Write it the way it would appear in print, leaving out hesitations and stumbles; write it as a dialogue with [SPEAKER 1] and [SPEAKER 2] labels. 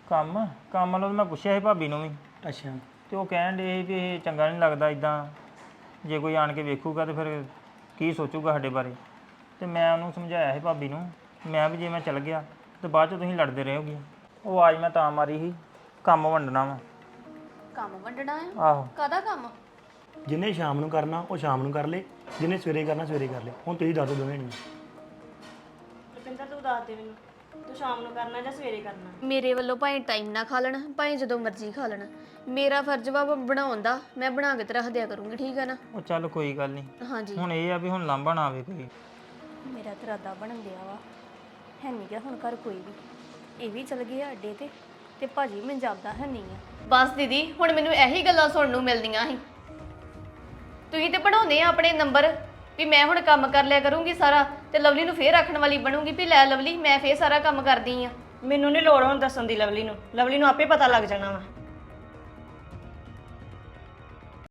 [SPEAKER 1] ਕੰਮ ਕੰਮ ਵੱਲੋਂ ਤਾਂ ਮੈਂ ਪੁੱਛਿਆ ਸੀ ਭਾਬੀ ਨੂੰ ਵੀ
[SPEAKER 2] ਅੱਛਾ
[SPEAKER 1] ਤੇ ਉਹ ਕਹਿਣ ਡੇ ਵੀ ਇਹ ਚੰਗਾ ਨਹੀਂ ਲੱਗਦਾ ਇਦਾਂ ਜੇ ਕੋਈ ਆਣ ਕੇ ਵੇਖੂਗਾ ਤੇ ਫਿਰ ਕੀ ਸੋਚੂਗਾ ਸਾਡੇ ਬਾਰੇ ਤੇ ਮੈਂ ਉਹਨੂੰ ਸਮਝਾਇਆ ਸੀ ਭਾਬੀ ਨੂੰ ਮੈਂ ਵੀ ਜੇ ਮੈਂ ਚੱਲ ਗਿਆ ਤੇ ਬਾਅਦ 'ਚ ਤੁਸੀਂ ਲੜਦੇ ਰਹੋਗੇ ਉਹ ਆਵਾਜ਼ ਮੈਂ ਤਾਂ ਮਾਰੀ ਸੀ ਕੰਮ ਵੰਡਣਾ ਵਾ
[SPEAKER 3] ਕੰਮ ਵੰਡਣਾ ਆ
[SPEAKER 1] ਆਹੋ
[SPEAKER 3] ਕਾਹਦਾ ਕੰਮ
[SPEAKER 2] ਜਿਹਨੇ ਸ਼ਾਮ ਨੂੰ ਕਰਨਾ ਉਹ ਸ਼ਾਮ ਨੂੰ ਕਰ ਲੇ ਜਿਹਨੇ ਸਵੇਰੇ ਕਰਨਾ ਸਵੇਰੇ ਕਰ ਲੇ ਹੁਣ ਤੁਸੀਂ ਦੱਸ ਦਿਓ ਦੋਵੇਂ ਨਹੀਂ
[SPEAKER 4] ਰੁਪਿੰਦਰ ਤੂੰ ਦੱਸ ਦੇ ਮੈਨੂੰ ਤੂੰ ਸ਼ਾਮ ਨੂੰ ਕਰਨਾ ਜਾਂ ਸਵੇਰੇ ਕਰਨਾ
[SPEAKER 3] ਮੇਰੇ ਵੱਲੋਂ ਭਾਵੇਂ ਟਾਈਮ ਨਾ ਖਾ ਲੈਣ ਭਾਵੇਂ ਜਦੋਂ ਮਰਜ਼ੀ ਖਾ ਲੈਣ ਮੇਰਾ ਫਰਜ਼ ਵਾ ਬਣਾਉਣ ਦਾ ਮੈਂ ਬਣਾ ਕੇ ਤੇ ਰੱਖ ਦਿਆ ਕਰੂੰਗੀ ਠੀਕ ਹੈ ਨਾ
[SPEAKER 1] ਉਹ ਚੱਲ ਕੋਈ ਗੱਲ ਨਹੀਂ
[SPEAKER 3] ਹਾਂਜੀ
[SPEAKER 1] ਹੁਣ ਇਹ ਆ ਵੀ ਹੁਣ ਲਾਂਭਾ ਨਾ ਆਵੇ ਕੋਈ
[SPEAKER 4] ਮੇਰਾ ਤਾਂ ਇਰਾਦਾ ਬਣਨ ਦਿਆ ਵਾ ਹੈ ਨਹੀਂ ਗਾ ਹੁਣ ਘਰ ਕੋਈ ਵੀ ਇਹ ਵੀ ਚਲ ਗਏ ਅੱਡੇ ਤੇ ਭਾਜੀ ਮੈਨੂੰ ਜਾਪਦਾ ਹੈ ਨਹੀਂ ਆ
[SPEAKER 3] ਬਸ ਦੀਦੀ ਹੁਣ ਮੈਨੂੰ ਇਹੀ ਗੱਲਾਂ ਸੁਣਨ ਨੂੰ ਮਿਲਦੀਆਂ ਸੀ ਤੁਸੀਂ ਤੇ ਬਣਾਉਂਦੇ ਆ ਆਪਣੇ ਨੰਬਰ ਵੀ ਮੈਂ ਹੁਣ ਕੰਮ ਕਰ ਲਿਆ ਕਰੂੰਗੀ ਸਾਰਾ ਤੇ ਲਵਲੀ ਨੂੰ ਫੇਰ ਰੱਖਣ ਵਾਲੀ ਬਣੂੰਗੀ ਵੀ ਲੈ ਲਵਲੀ ਮੈਂ ਫੇਰ ਸਾਰਾ ਕੰਮ ਕਰਦੀ ਆ
[SPEAKER 4] ਮੈਨੂੰ ਨਹੀਂ ਲੋੜ ਹੁਣ ਦੱਸਣ ਦੀ ਲਵਲੀ ਨੂੰ ਆਪੇ ਪਤਾ ਲੱਗ ਜਾਣਾ ਵਾ